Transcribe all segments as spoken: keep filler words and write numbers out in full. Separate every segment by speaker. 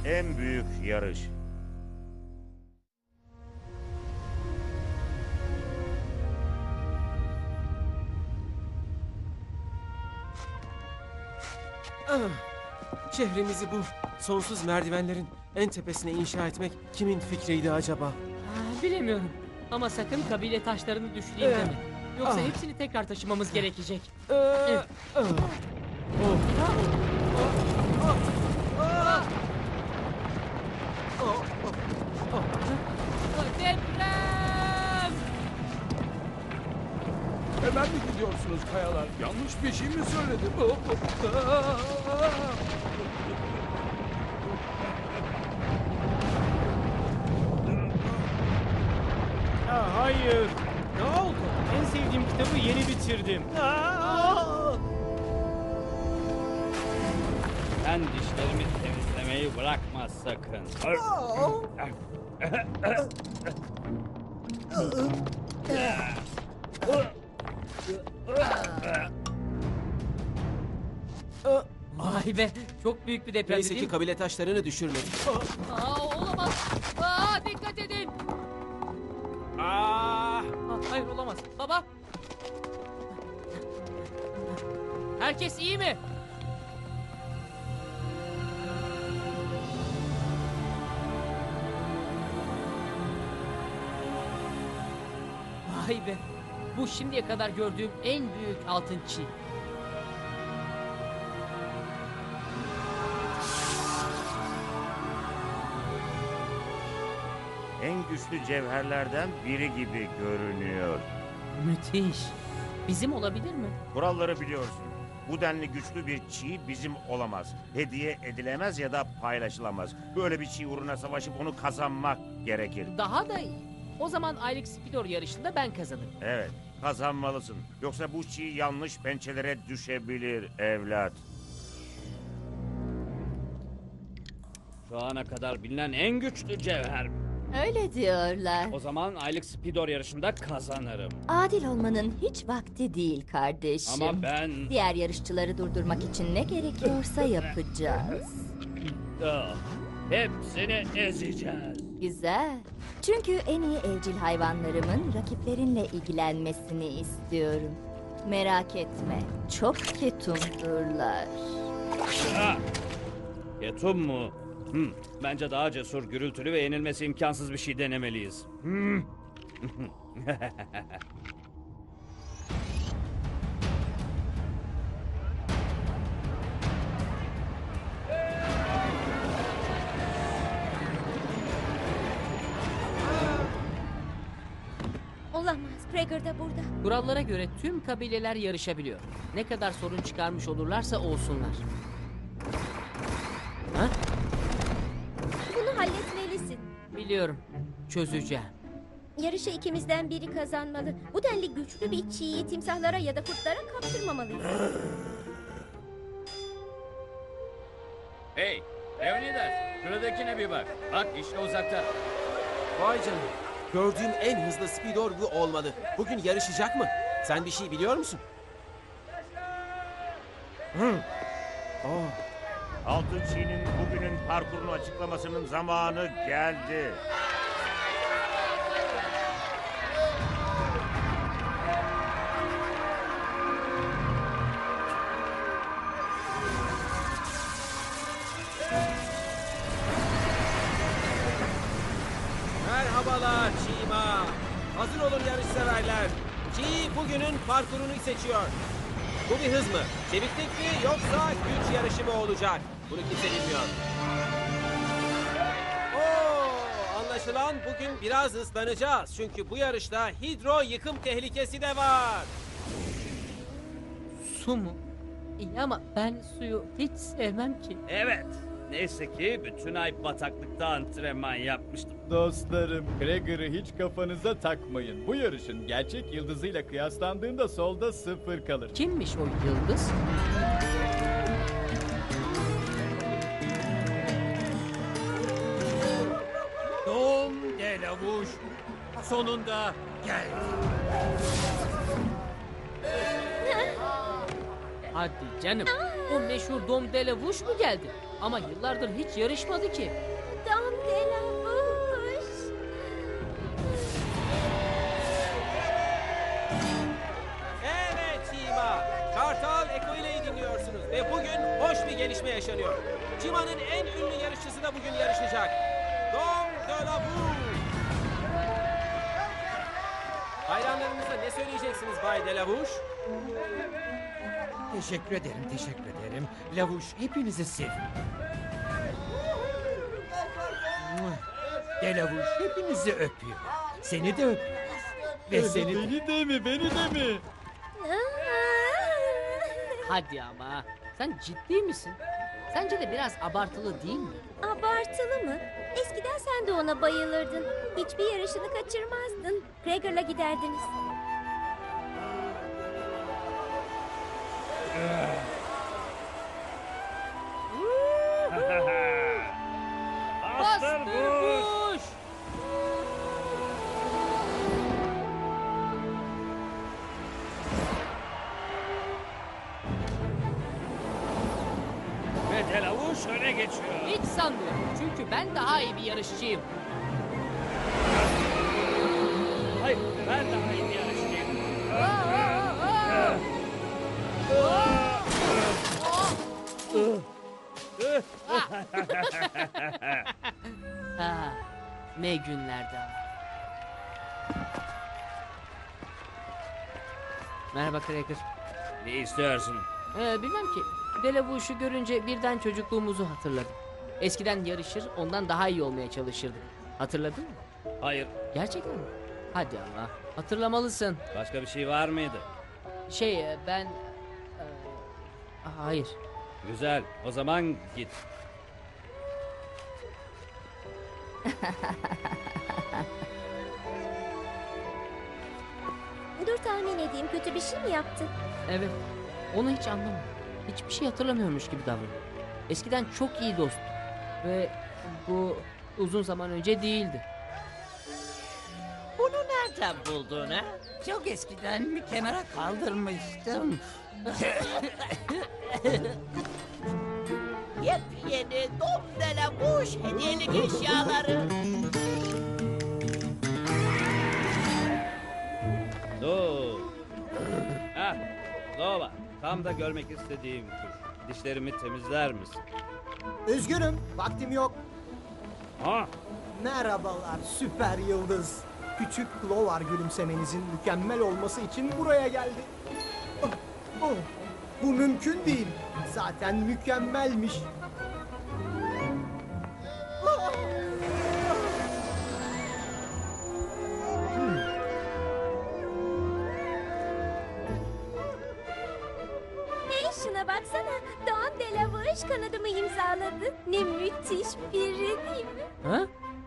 Speaker 1: en büyük yarış.
Speaker 2: Ah, şehrimizi bu sonsuz merdivenlerin en tepesine inşa etmek kimin fikriydi acaba?
Speaker 3: Ah, bilemiyorum. Ama sakın kabile taşlarını düşüreyim
Speaker 2: Ee,
Speaker 3: deme. Yoksa
Speaker 2: ah.
Speaker 3: hepsini tekrar taşımamız gerekecek.
Speaker 2: Ee,
Speaker 3: Evet.
Speaker 2: ah. Oh. Oh, oh, oh.
Speaker 3: Deprem!
Speaker 4: Hemen mi gidiyorsunuz kayalar? Yanlış bir şey mi söyledim? Oh, oh.
Speaker 5: Ya hayır. Ne oldu? En sevdiğim kitabı yeni bitirdim.
Speaker 6: Sen dişlerimi temizlemeyi bırakma sakın.
Speaker 3: Vay be, çok büyük bir deprem
Speaker 2: Neyse
Speaker 3: değil
Speaker 2: ki
Speaker 3: mi?
Speaker 2: kabile taşlarını düşürmedik.
Speaker 3: Aa, olamaz. Aa, dikkat edin.
Speaker 2: Ah!
Speaker 3: Aa, hayır olamaz. Baba. Herkes iyi mi? Vay be. Bu şimdiye kadar gördüğüm en büyük altın çiğ.
Speaker 1: En güçlü cevherlerden biri gibi görünüyor.
Speaker 3: Müthiş. Bizim olabilir mi?
Speaker 1: Kuralları biliyorsun. Bu denli güçlü bir çiğ bizim olamaz. Hediye edilemez ya da paylaşılamaz. Böyle bir çiğ uğruna savaşıp onu kazanmak gerekir.
Speaker 3: Daha da iyi. O zaman aylık Spidor yarışında ben kazanırım.
Speaker 1: Evet, kazanmalısın. Yoksa bu çiğ yanlış pençelere düşebilir evlat.
Speaker 6: Şu ana kadar bilinen en güçlü cevher.
Speaker 7: Öyle diyorlar.
Speaker 6: O zaman aylık Spidor yarışında kazanırım.
Speaker 7: Adil olmanın hiç vakti değil kardeşim.
Speaker 6: Ama ben...
Speaker 7: Diğer yarışçıları durdurmak için ne gerekiyorsa yapacağız.
Speaker 6: Ah, hepsini ezeceğiz.
Speaker 7: Güzel. Çünkü en iyi evcil hayvanlarımın rakiplerinle ilgilenmesini istiyorum. Merak etme, çok ketumdurlar.
Speaker 6: Ah! Ketum mu? Hmm, bence daha cesur, gürültülü ve yenilmesi imkansız bir şey denemeliyiz. Hmm.
Speaker 8: Olamaz. Gregor da burada.
Speaker 3: Kurallara göre tüm kabileler yarışabiliyor. Ne kadar sorun çıkarmış olurlarsa olsunlar. Ha?
Speaker 8: Bunu halletmelisin.
Speaker 3: Biliyorum. Çözeceğim.
Speaker 8: Yarışı ikimizden biri kazanmalı. Bu denli güçlü bir çiğyi timsahlara ya da kurtlara kaptırmamalıyız.
Speaker 6: Hey, Leonidas, şuradakine bir bak. Bak işte uzakta.
Speaker 2: Vay canına. Gördüğüm en hızlı Speedor bu olmalı. Bugün yarışacak mı? Sen bir şey biliyor musun? Hı. Oh.
Speaker 1: Altın çiğnin bugünün parkurunu açıklamasının zamanı geldi.
Speaker 2: Merhabalar Çiğma. Hazır olun yarışseverler. Çiğ bugünün parkurunu seçiyor. Bu bir hız mı? Çeviklik mi yoksa güç yarışı mı olacak? Bunu kimse bilmiyor. Oo, anlaşılan bugün biraz ıslanacağız. Çünkü bu yarışta hidro yıkım tehlikesi de var.
Speaker 3: Su mu? İyi ama ben suyu hiç sevmem ki.
Speaker 6: Evet, neyse ki bütün ay bataklıkta antrenman yapmıştım.
Speaker 5: Dostlarım, Gregor'ı hiç kafanıza takmayın. Bu yarışın gerçek yıldızıyla kıyaslandığında solda sıfır kalır.
Speaker 3: Kimmiş o yıldız?
Speaker 5: Dom de lavuş. Sonunda gel.
Speaker 3: Hadi canım. O meşhur Dom de la Vuş mu geldi? Ama yıllardır hiç yarışmadı ki.
Speaker 8: Dom de la Vuş.
Speaker 2: Evet Cima. Kartal Eko ile'yi dinliyorsunuz ve bugün hoş bir gelişme yaşanıyor. Cima'nın en ünlü yarışçısı da bugün yarışacak. Dom de la Vuş. Hayranlarınıza ne söyleyeceksiniz Bay de la Vuş?
Speaker 9: Teşekkür ederim, teşekkür ederim. Lavuş hepinizi seviyor. De Lavuş hepinizi öpüyor. Seni de öpüyor. Ve seni de...
Speaker 5: Beni de mi? Beni de mi?
Speaker 3: Hadi ama. Sen ciddi misin? Sence de biraz abartılı değil mi?
Speaker 8: Abartılı mı? Eskiden sen de ona bayılırdın. Hiçbir yarışını kaçırmazdın. Gregor'la giderdiniz.
Speaker 3: Bastır Buş!
Speaker 6: Ve Delavuş öne geçiyor.
Speaker 3: Hiç sanmıyorum. Çünkü ben daha iyi bir yarışçıyım.
Speaker 6: Hayır, ben daha iyi bir yarışçıyım.
Speaker 3: Ah, ne günlerdi ama. Merhaba Cracker.
Speaker 6: Ne istiyorsun?
Speaker 3: Ee, bilmem ki. Delavuş'u görünce birden çocukluğumuzu hatırladım. Eskiden yarışır, ondan daha iyi olmaya çalışırdık. Hatırladın mı?
Speaker 6: Hayır,
Speaker 3: Gerçekten mi? Hadi ama. Hatırlamalısın.
Speaker 6: başka bir şey var mıydı?
Speaker 3: Şey, e, ben... e, hayır.
Speaker 6: Güzel, o zaman git.
Speaker 8: Dur tahmin edeyim, kötü bir şey mi yaptı?
Speaker 3: Evet. Onu hiç anlamadım. Hiçbir şey hatırlamıyormuş gibi davranıyor. Eskiden çok iyi dosttu. Ve bu uzun zaman önce değildi.
Speaker 10: Bunu nereden buldun ha? Çok eskiden bir kenara kaldırmıştım. Yepyeni Dom de la Vuş hediyelik eşyaları.
Speaker 6: Dur. Ha, Nova. Tam da görmek istediğim kuş. Dişlerimi temizler misin?
Speaker 11: Üzgünüm, vaktim yok.
Speaker 6: Ha?
Speaker 11: Merhabalar süper yıldız. Küçük Clover gülümsemenizin mükemmel olması için buraya geldi. Oh, oh, bu mümkün değil. Zaten mükemmelmiş. Ah!
Speaker 8: Hey şuna baksana. Dom de la Vuş kanadımı imzaladı. Ne müthiş biri değil mi?
Speaker 3: Ha?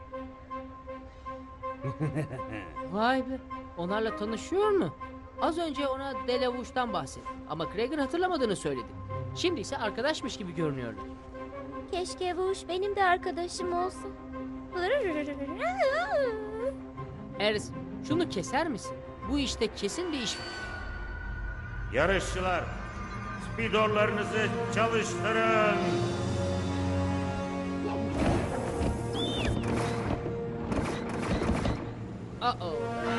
Speaker 3: Vay be. Onlarla tanışıyor mu? Az önce ona Delavuş'tan bahsetti. Ama Gregor hatırlamadığını söyledi. Şimdi ise arkadaşmış gibi görünüyorlar.
Speaker 8: Keşke Vuş benim de arkadaşım olsun.
Speaker 3: Eris, şunu keser misin? Bu işte kesin bir iş var.
Speaker 1: Yarışçılar, spidorlarınızı çalıştırın.
Speaker 3: Uh-oh.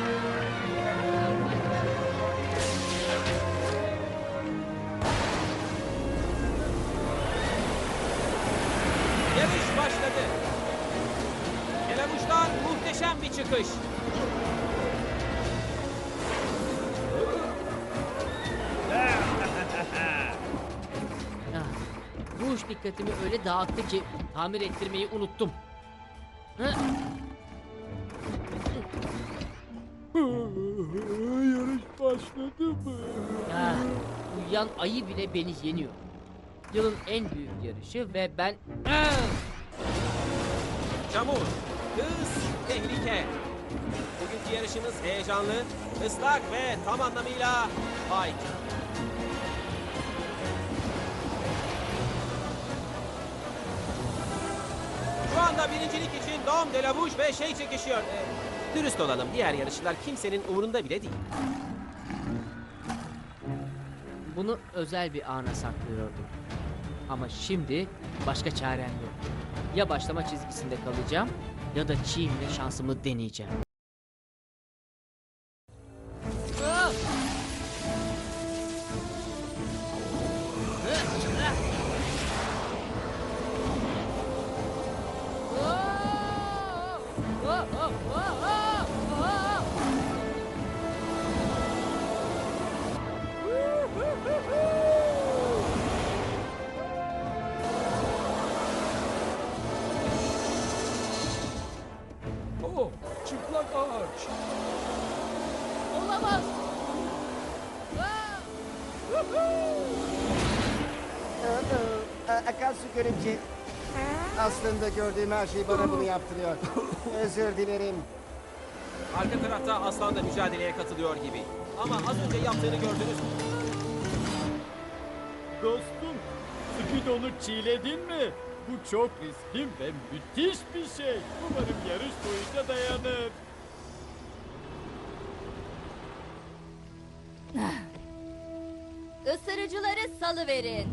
Speaker 2: Yarış başladı. Delavuş'tan muhteşem bir çıkış.
Speaker 3: Ah, bu iş dikkatimi öyle dağıttı ki tamir ettirmeyi unuttum. Hı?
Speaker 4: Yarış başladı mı?
Speaker 3: Ah, uyuyan ayı bile beni yeniyor. Yılın en büyük yarışı ve ben... Ah!
Speaker 2: Çamur, hız, tehlike. Bugünkü yarışımız heyecanlı, ıslak ve tam anlamıyla fight. Şu anda birincilik için Dom de la Vuş ve şey çekişiyor. Ee, dürüst olalım, diğer yarışçılar kimsenin umurunda bile değil.
Speaker 3: Bunu özel bir ana saklıyordum. Ama şimdi başka çarem yok. Ya başlama çizgisinde kalacağım ya da çiğimle şansımı deneyeceğim. Ah!
Speaker 4: Oh, çıplak ağaç.
Speaker 3: Olamaz.
Speaker 12: Akarsu görümce. Aslında gördüğüm her şey bana bunu yaptırıyor. Özür dilerim.
Speaker 2: Arka tarafta aslan da mücadeleye katılıyor gibi. Ama az önce yaptığını gördünüz mü?
Speaker 5: Dostum, Speed onu çiğledin mi? Bu çok riskli ve müthiş bir şey. Umarım yarış boyunca dayanır.
Speaker 7: Isırıcıları salıverin.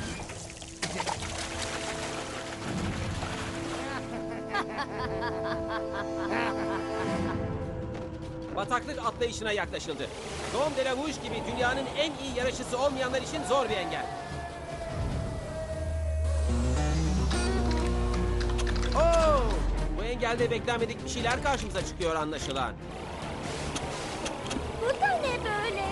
Speaker 2: Bataklık atlayışına yaklaşıldı. Dom de la Rouge gibi dünyanın en iyi yarışçısı olmayanlar için zor bir engel. Oo! Bu engelde beklenmedik bir şeyler karşımıza çıkıyor anlaşılan.
Speaker 8: Bu da ne böyle?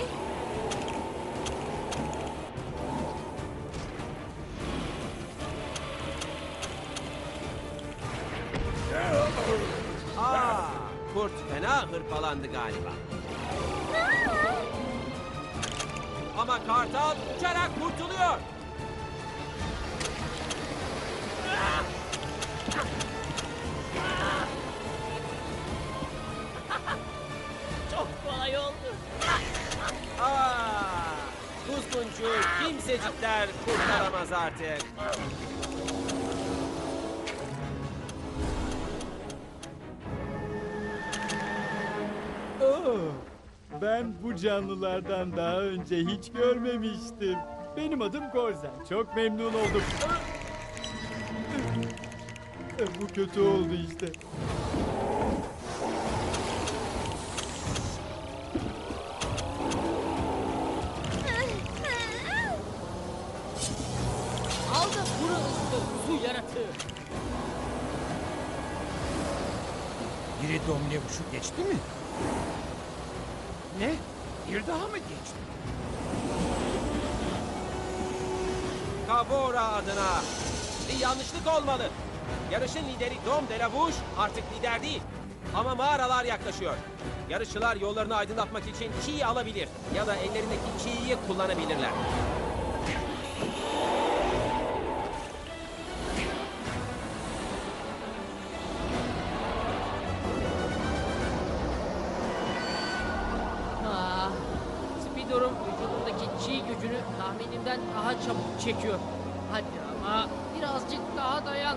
Speaker 2: Aa, kurt fena hırpalandı galiba. Ama kartal uçarak kurtuluyor.
Speaker 3: Çok kolay oldu.
Speaker 2: Aa, Kuzguncu kimsecikler kurtaramaz artık.
Speaker 5: Oh, ben bu canlılardan daha önce hiç görmemiştim. Benim adım Korzen. Çok memnun oldum. Bu kötü oldu işte.
Speaker 3: Aldı kuru ıslı su yaratığı.
Speaker 9: Biri Domlevuş'u geçti mi? Ne? Bir daha mı geçti?
Speaker 2: Kavora adına. Bir yanlışlık olmalı. Yarışın lideri Dom de la Rouge artık lider değil. Ama mağaralar yaklaşıyor. Yarışçılar yollarını aydınlatmak için çiğ alabilir ya da ellerindeki çiğyi kullanabilirler.
Speaker 3: Ah, Speedor'un vücudundaki çiğ gücünü tahminimden daha çabuk çekiyor. Hadi ama birazcık daha dayan.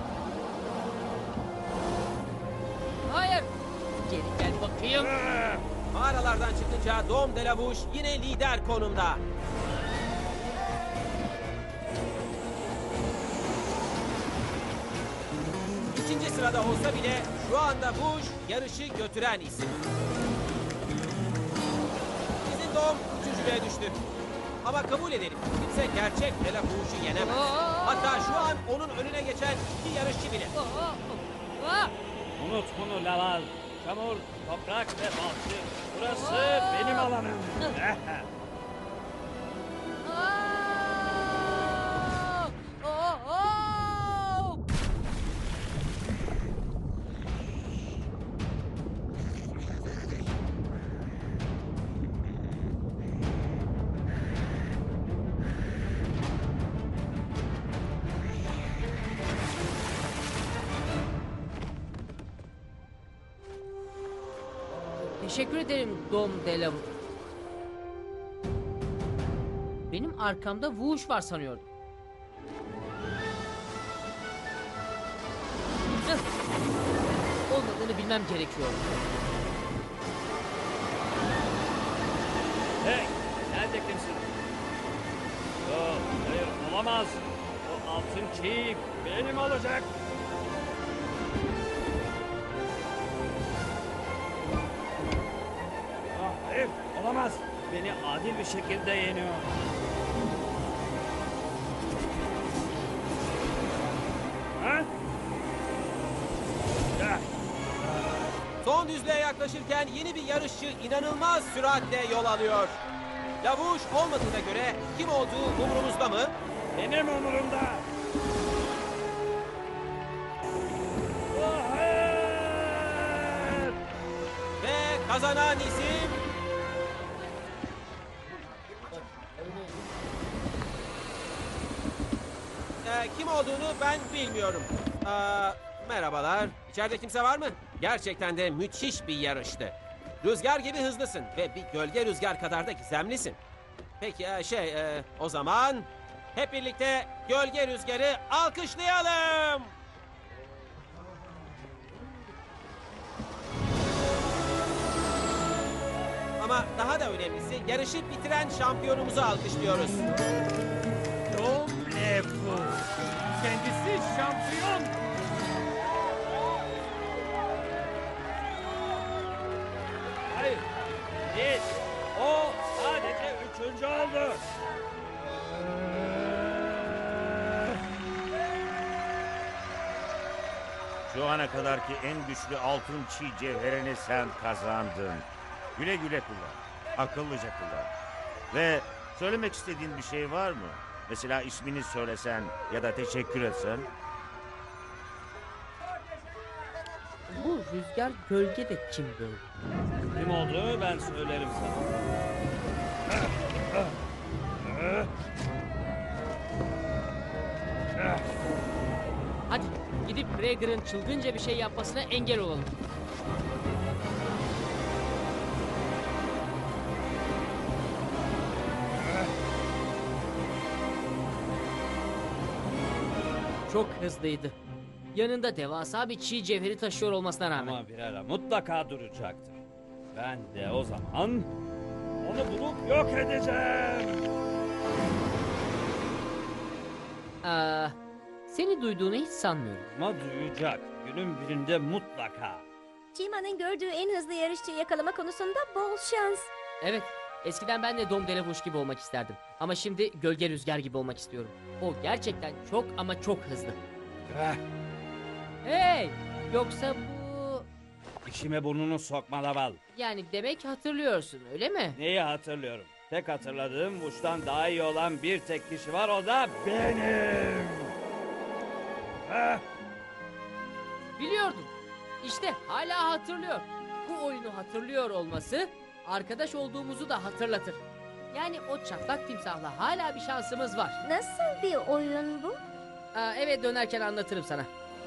Speaker 3: Hayır. Geri gel bakayım.
Speaker 2: Mağaralardan çıkınca Dom de la Rouge yine lider konumda. İkinci sırada olsa bile şu anda Rouge yarışı götüren isim. Bizim Dom üçüncülüğe düştü. Ama kabul edelim, kimse gerçek de la Rouge'u yenemez. Hatta şu an onun önüne geçen iki yarışçı bile.
Speaker 3: Ah!
Speaker 6: Unut bunu Laval. Çamur, toprak ve balçık. Burası benim alanım.
Speaker 3: Ah! Oh, oh! Teşekkür ederim Dom de la Rouge. Benim arkamda Whoosh var sanıyordum. Hıh! Olmadığını bilmem gerekiyor.
Speaker 6: Hey, nerede kimsin? Olamaz. O altın çiğ benim olacak. Ah, hayır, olamaz. Beni adil bir şekilde yeniyor. Ha? Ya.
Speaker 2: Son düzlüğe yaklaşırken yeni bir yarışçı inanılmaz süratle yol alıyor. Lavuş olmadığına göre kim olduğu umurumuzda mı?
Speaker 6: Benim umurumda. Oh, hayır!
Speaker 2: Ve kazanan isim... Ee, kim olduğunu ben bilmiyorum. Aa, merhabalar. İçeride kimse var mı? Gerçekten de müthiş bir yarıştı. Rüzgar gibi hızlısın ve bir gölge rüzgar kadar da gizemlisin. Peki e, şey e, o zaman hep birlikte gölge rüzgarı alkışlayalım. Ama daha da önemlisi yarışı bitiren şampiyonumuzu alkışlıyoruz.
Speaker 9: Dom Levu. Kendisi şampiyon.
Speaker 6: Hayır. Değil. O sadece üçüncü oldu.
Speaker 1: Şu ana kadarki en güçlü altın çiğ cevherini sen kazandın. Güle güle kullan. Akıllıca kullan. Ve söylemek istediğin bir şey var mı? Mesela ismini söylesen ya da teşekkür etsen.
Speaker 3: Bu rüzgar gölge de kim böyle?
Speaker 6: Kim olduğunu ben söylerim sana.
Speaker 3: Hadi gidip Gregor'ın çılgınca bir şey yapmasına engel olalım. Çok hızlıydı. Yanında devasa bir çiğ cevheri taşıyor olmasına rağmen.
Speaker 6: Ama bir ara mutlaka duracaktır. Ben de o zaman onu bulup yok edeceğim.
Speaker 3: Aa, seni duyduğunu hiç sanmıyorum.
Speaker 6: Ama duyacak. Günün birinde mutlaka.
Speaker 8: Cima'nın gördüğü en hızlı yarışçıyı yakalama konusunda bol şans.
Speaker 3: Evet, eskiden ben de Dom Delavuş gibi olmak isterdim. Ama şimdi Gölge Rüzgar gibi olmak istiyorum. O gerçekten çok ama çok hızlı.
Speaker 6: Eh,
Speaker 3: Hey! Yoksa bu...
Speaker 6: işime burnunu sokma Laval.
Speaker 3: Yani demek hatırlıyorsun, öyle mi?
Speaker 6: Neyi hatırlıyorum? Tek hatırladığım Vuş'tan daha iyi olan bir tek kişi var, o da benim. Eh,
Speaker 3: Biliyordum. İşte hala hatırlıyor. Bu oyunu hatırlıyor olması arkadaş olduğumuzu da hatırlatır. Yani o çatlak timsahla hala bir şansımız var.
Speaker 8: Nasıl bir oyun bu?
Speaker 3: Aa, eve dönerken anlatırım sana.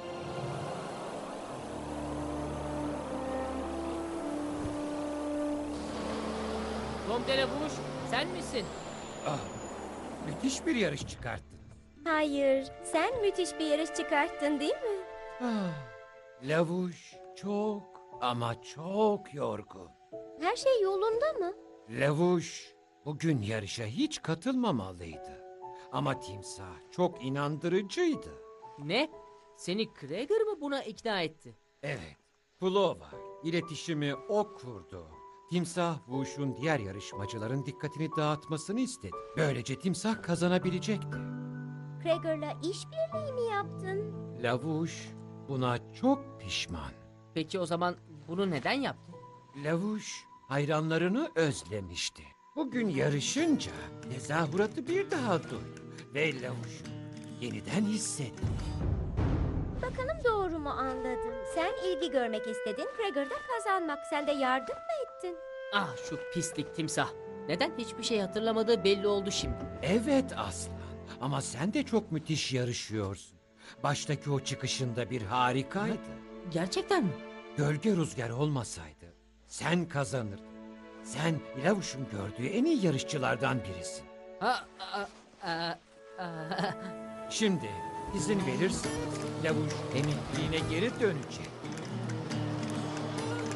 Speaker 3: Dom Delavuş, sen misin?
Speaker 9: Ah, müthiş bir yarış çıkarttın.
Speaker 8: Hayır, sen müthiş bir yarış çıkarttın değil mi?
Speaker 9: Ah, Lavuş çok ama çok yorgun.
Speaker 8: Her şey yolunda mı?
Speaker 9: Lavuş bugün yarışa hiç katılmamalıydı. Ama timsah çok inandırıcıydı.
Speaker 3: Ne? Seni Gregor mı buna ikna etti?
Speaker 9: Evet, Flova iletişimi o kurdu. Timsah Vuş'un diğer yarışmacıların dikkatini dağıtmasını istedi. Böylece timsah kazanabilecekti.
Speaker 8: Gregor'la işbirliği mi yaptın?
Speaker 9: Lavuş buna çok pişman.
Speaker 3: Peki o zaman bunu neden yaptı?
Speaker 9: Lavuş hayranlarını özlemişti. Bugün yarışınca tezahüratı bir daha duydu ve Lavuş'u yeniden hissetti.
Speaker 8: Bakalım doğru mu anladım? Sen ilgi görmek istedin, Gregor'da kazanmak. Sen de yardım mı ettin?
Speaker 3: Ah şu pislik timsah. Neden hiçbir şey hatırlamadığı belli oldu şimdi.
Speaker 9: Evet aslan ama sen de çok müthiş yarışıyorsun. Baştaki o çıkışında bir harikaydı.
Speaker 3: Gerçekten mi?
Speaker 9: Gölge rüzgar olmasaydı sen kazanırdın. Sen Lavuş'un gördüğü en iyi yarışçılardan birisin.
Speaker 3: Ha, a, a, a,
Speaker 9: Şimdi izin verirsen Lavuş emekliğine geri dönecek.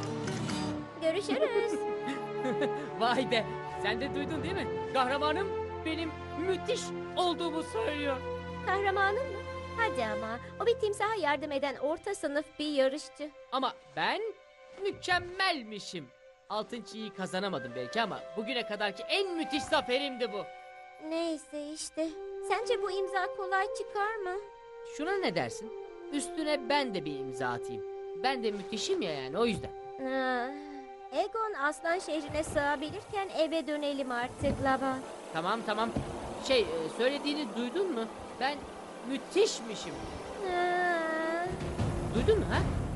Speaker 8: Görüşürüz.
Speaker 3: Vay be. Sen de duydun değil mi? Kahramanım benim müthiş olduğumu söylüyor.
Speaker 8: Kahramanın mı? Hadi ama. O bir timsaha yardım eden orta sınıf bir yarışçı.
Speaker 3: Ama ben mükemmelmişim. Altın çiğyi kazanamadım belki ama bugüne kadarki en müthiş zaferimdi bu.
Speaker 8: Neyse işte. Sence bu imza kolay çıkar mı?
Speaker 3: Şuna ne dersin? Üstüne ben de bir imza atayım. Ben de müthişim ya yani o yüzden.
Speaker 8: Ah, Egon aslan şehrine sığabilirken eve dönelim artık Laban.
Speaker 3: Tamam tamam. Şey e, söylediğini duydun mu? Ben müthişmişim.
Speaker 8: Ah.
Speaker 3: Duydun mu ha?